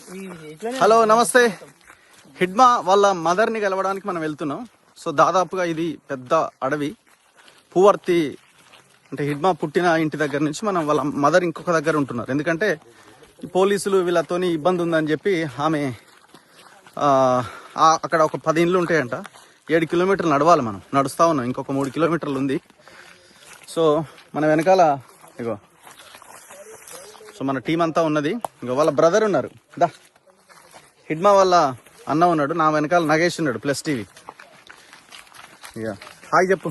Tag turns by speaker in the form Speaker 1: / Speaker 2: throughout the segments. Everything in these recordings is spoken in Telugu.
Speaker 1: హలో నమస్తే. హిడ్మా వాళ్ళ మదర్ ని కలవడానికి మనం వెళ్తున్నాం. సో దాదాపుగా ఇది పెద్ద అడవి. పూవర్తి అంటే హిడ్మా పుట్టిన ఇంటి దగ్గర నుంచి మనం వాళ్ళ మదర్ ఇంకొక దగ్గర ఉంటున్నారు. ఎందుకంటే పోలీసులు వీళ్ళతోని ఇబ్బంది ఉందని చెప్పి ఆమె అక్కడ ఒక 10 ఇండ్లు ఉంటాయంట. 7 కిలోమీటర్లు నడవాలి. మనం నడుస్తా ఉన్నాం. ఇంకొక 3 కిలోమీటర్లు ఉంది. సో మన వెనకాల ఇగో సో మన టీం అంతా ఉన్నది. ఇంకో వాళ్ళ బ్రదర్ ఉన్నారు. దా హిడ్మా వాళ్ళ అన్న ఉన్నాడు. నా వెనకాల నగేష్ ఉన్నాడు. Plus TV. ఇక హాయ్ చెప్పు.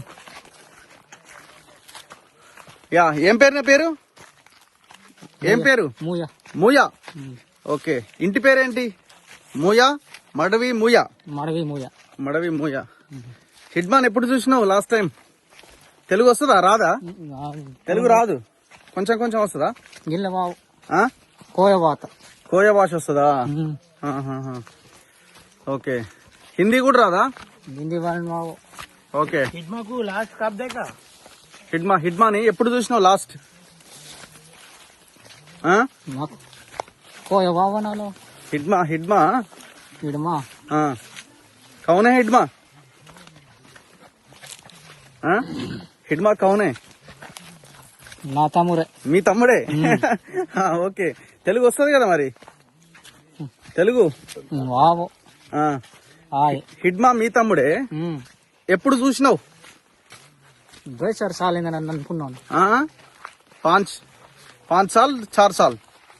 Speaker 1: యా ఏం పేరు? నా పేరు ఏం పేరు? మూయా. ఓకే. ఇంటి పేరేంటి? మూయా మడవి మూయా. మడవి మూయా. హిడ్మాన్ ఎప్పుడు చూసినావు లాస్ట్ టైం? తెలుగు వస్తుందా? రాదా? తెలుగు రాదు. కొంచెం కొంచెం వస్తుందా? కోయ భాష వస్తుందా? ఓకే. హిందీ కూడా రాదా? ఓకే. హిడ్మాని ఎప్పుడు చూసినావు లాస్ట్? హిడ్మా కౌనే హిడ్మా? హిడ్మా కౌనే?
Speaker 2: నా తమ్ముడే.
Speaker 1: మీ తమ్ముడే? ఓకే. తెలుగు వస్తుంది కదా మరి? తెలుగు హిడ్మా మీ తమ్ముడే. ఎప్పుడు చూసినావు?
Speaker 2: 2-4 साल అనుకున్నాను.
Speaker 1: 5 साल 4 साल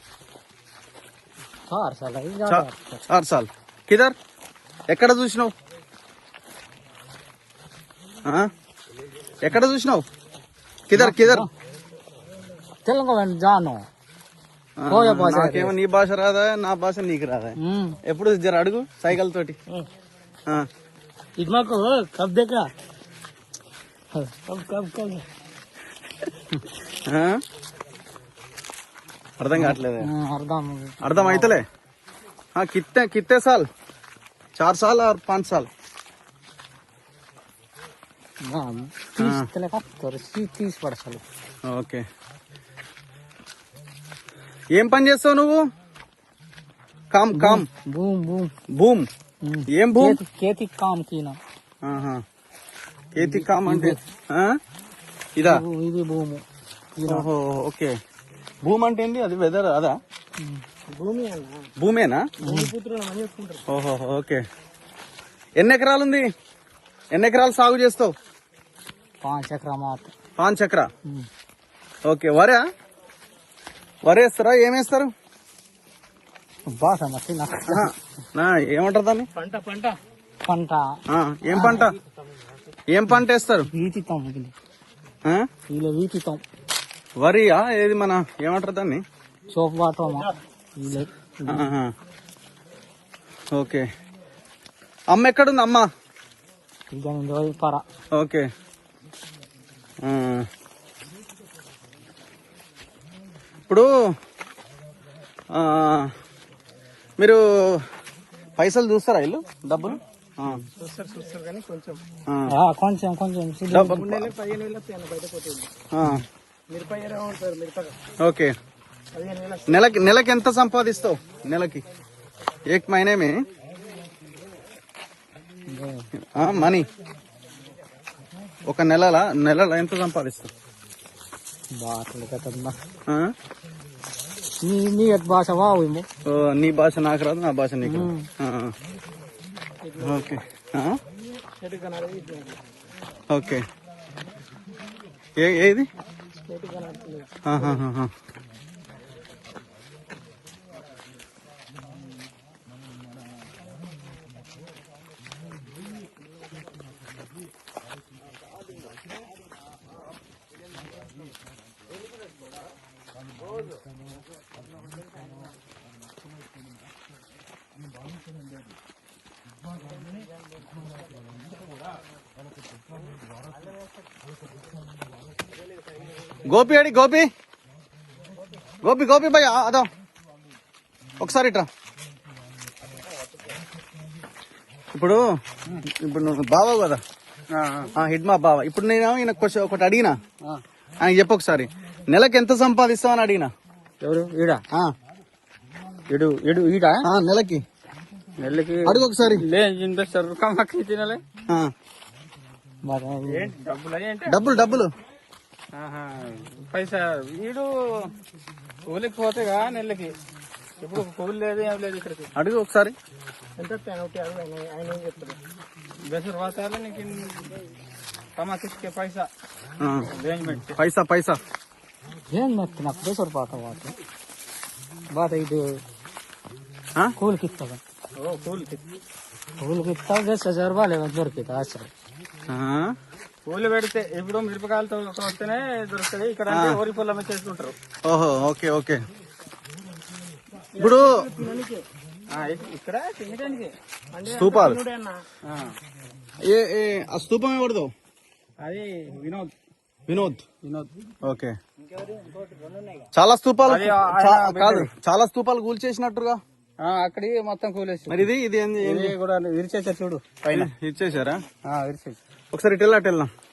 Speaker 1: 4 साल కిదర్ ఎక్కడ చూసినావు? ఎక్కడ చూసినావు? కిదర్
Speaker 2: తెలుగు జాను.
Speaker 1: నాకేమో నీ భాష రాదా, నా భాష నీకు రాదా? ఎప్పుడు జర అడుగు సైకిల్ తోటి. అర్థం కావట్లేదు. అర్థం అయితలే. కిత్తే సాల్? 4 साल और 5 साल? ఓకే. ఏం పని చేస్తావు నువ్వు? భూమ్. ఏం భూమ్?
Speaker 2: కేతి కామ్.
Speaker 1: కేతి కామ్ అంటే ఇదా?
Speaker 2: ఇది భూము.
Speaker 1: ఓహో. ఓకే. భూమ్ అంటే ఏంటి? అది వెదర్ అదా? భూమేనా? ఓహో. ఓకే. ఎన్ని ఎకరాలు ఉంది? ఎన్ని ఎకరాలు సాగు చేస్తావు?
Speaker 2: 5 ఎకరా.
Speaker 1: 5 ఎకరా. ఓకే. వరేస్తారా? ఏమేస్తారు? ఏమంటారు దాన్ని?
Speaker 2: పంట.
Speaker 1: ఏం పంట వేస్తారు? వరియా? ఏది మన ఏమంటారు దాన్ని? ఓకే. అమ్మ ఎక్కడుంది? అమ్మ ఓకే. ఇప్పుడు మీరు పైసలు చూస్తారా? ఇల్లు డబ్బులు ఓకే. నెలకి ఎంత సంపాదిస్తావు? నెలకి ఏక్ మहीने में మనీ ఒక నెలల ఎంత సంపాదిస్తావు? నీ భాష నాకు రాదు, నా భాష నీకు రాదు. ఓకే. ఓకే. ఏది? గోపి అడి గోపి భయ్ అదా ఒకసారి ఇట్రా. ఇప్పుడు నువ్వు బావ కదా, హిడ్మా బావ. ఇప్పుడు నేను ఈయన ఒకటి అడిగినా, ఆయన చెప్పు ఒకసారి. నెలకి ఎంత సంపాదిస్తావని అడిగినా.
Speaker 2: ఎవరు? ఈడ ఇడు ఇడు ఈడ
Speaker 1: నెలకి
Speaker 2: నెలకి
Speaker 1: అడుగు ఒకసారి
Speaker 2: లే ఇన్వెస్టర్ కమ్మకి తినలే
Speaker 1: ఆ,
Speaker 2: ఏంటి డబ్బులు ఏంటి
Speaker 1: డబ్బులు డబ్బులు
Speaker 2: పైసా ఈడు కూలికి పోతేగా నెలకి ఇప్పుడు కూలి లేదు ఏం లేదు ఇక్కడికి
Speaker 1: అడుగు ఒకసారి
Speaker 2: ఎంత ఆయన ఏం చెప్తాడు బెసర్ వాతాలు నీకు కమాకిస్కే పైసా
Speaker 1: ఆ,
Speaker 2: అరేంజ్మెంట్
Speaker 1: పైసా పైసా
Speaker 2: ఏం మరి నాకు బెసర్ పాత బాత ఇది
Speaker 1: ఆ?
Speaker 2: కూలికి ఇస్తా కూలికి ఇస్తా 10,000 రూపాయలు దొరికితే ఆశ్చర్యం
Speaker 1: ఆ,
Speaker 2: పూలు పెడితే ఇప్పుడు మిరపకాయలతో వస్తేనే దొరుకుతాయి ఇక్కడ వరి పొలం చేసుకుంటారు
Speaker 1: ఓహో ఓకే ఓకే ఇప్పుడు
Speaker 2: ఇక్కడ తినడానికి
Speaker 1: స్తూపాలు ఏ ఏ ఆ స్తూపం ఎవరిదో
Speaker 2: అది వినోద్
Speaker 1: వినోద్
Speaker 2: వినోద్
Speaker 1: ఓకే చాలా స్తూపాలు
Speaker 2: అది ఆయన
Speaker 1: కాదు చాలా స్తూపాలు కూల్చేసినట్టుగా
Speaker 2: అక్కడి మొత్తం కూలేసి
Speaker 1: మరి ఇది ఏంది
Speaker 2: ఇది కూడా విరిచేసారు చూడు పైన
Speaker 1: ఇచ్చేసారా
Speaker 2: విరిచేసి
Speaker 1: ఒకసారి ఇటు వెళ్ళా